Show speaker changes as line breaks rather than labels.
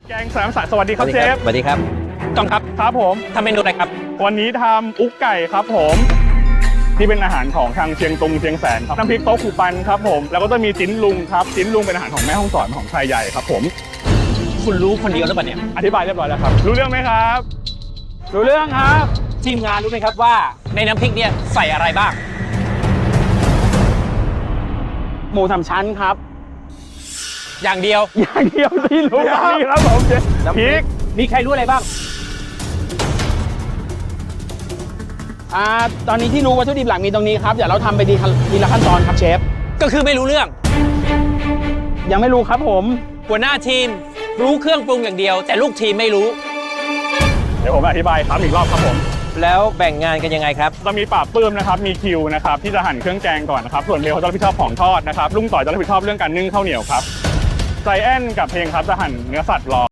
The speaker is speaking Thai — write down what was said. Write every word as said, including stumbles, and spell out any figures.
แกงสามสายสวัสดีครับเชฟ
สวัสดีครับ
กองครับ
ครับผม
ทำเมนูอะไรครับ
วันนี้ทำอุกไก่ครับผมที่เป็นอาหารของทางเชียงตุงเชียงแสนครับน้ำพริกโต๊ะขู่ปันครับผมแล้วก็จะมีจิ้นลุงครับจิ้นลุงเป็นอาหารของแม่ฮ่องสอนของชายใหญ่ครับผม
คุณรู้คนเดียวหรือเปล่าเนี่ย
อธิบายเรียบร้อยแล้วครับรู้เรื่องไหมครับรู้เรื่องครับ
ทีมงานรู้ไหมครับว่าในน้ำพริกเนี่ยใส่อะไรบ้าง
หมูสามชั้นครับ
อย่างเดียว
อย่างเดียวที่รู้นี่ครับผมเชฟพริก
มีใครรู้อะไรบ้าง
อ่าตอนนี้ที่รู้วัตถุดิบหลักมีตรงนี้ครับเดี๋ยวเราทำไปทีละขั้นตอนครับเชฟ
ก็คือไม่รู้เรื่อง
ยังไม่รู้ครับผม
หัวหน้าทีมรู้เครื่องปรุงอย่างเดียวแต่ลูกทีมไม่รู้
เดี๋ยวผมอธิบายครับอีกรอบครับผม
แล้วแบ่งงานกันยังไงครับ
จะมีปราบปื้มนะครับมีคิวนะครับที่จะหั่นเครื่องแกงก่อนนะครับส่วนเบลเขาจะรับผิดชอบของทอดนะครับลุงต่อยจะรับผิดชอบเรื่องการนึ่งข้าวเหนียวครับใจแอนกับเพลงครับจะหั่นเนื้อสัตว์รอ